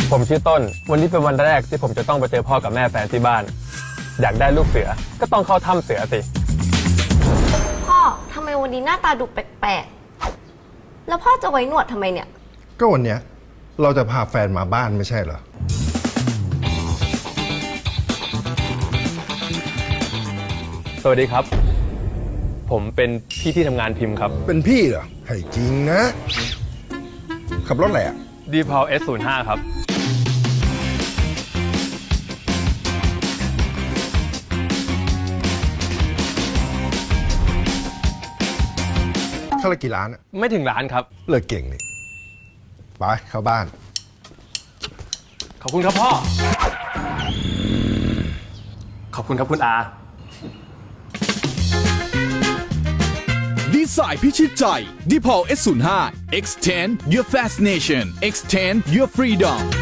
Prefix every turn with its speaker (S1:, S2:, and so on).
S1: ผมชื่อต้น วันนี้เป็นวันแรกที่ผมจะต้องไปเจอพ่อกับแม่แฟนที่บ้าน อยากได้ลูกเสือก็ต้องเข้าถ้ำเสือสิ
S2: พ่อทำไมวันนี้หน้าตาดูแปลกๆ แล้วพ่อจะไว้หนวดทำไมเนี่ย
S3: ก็วันเนี้ยเราจะพาแฟนมาบ้านไม่ใช่เหรอ
S1: สวัสดีครับ ผมเป็นพี่ที่ทำงานพิมพ์ครับ
S3: เป็นพี่เหรอให้จริงนะ ขับรถอะไรอ่ะ
S1: d p a l S05 ครับ
S3: ค่าละกี่ล้านอะ
S1: ไม่ถึงล้านครับ
S3: เลิกเก่งนี่ไปเข้าบ้าน
S1: ขอบคุณครับพ่อ ขอบคุณครับคุณอา
S4: ดีไซน์พิชิตใจ d p a l S05 Extend your fascination Extend your freedom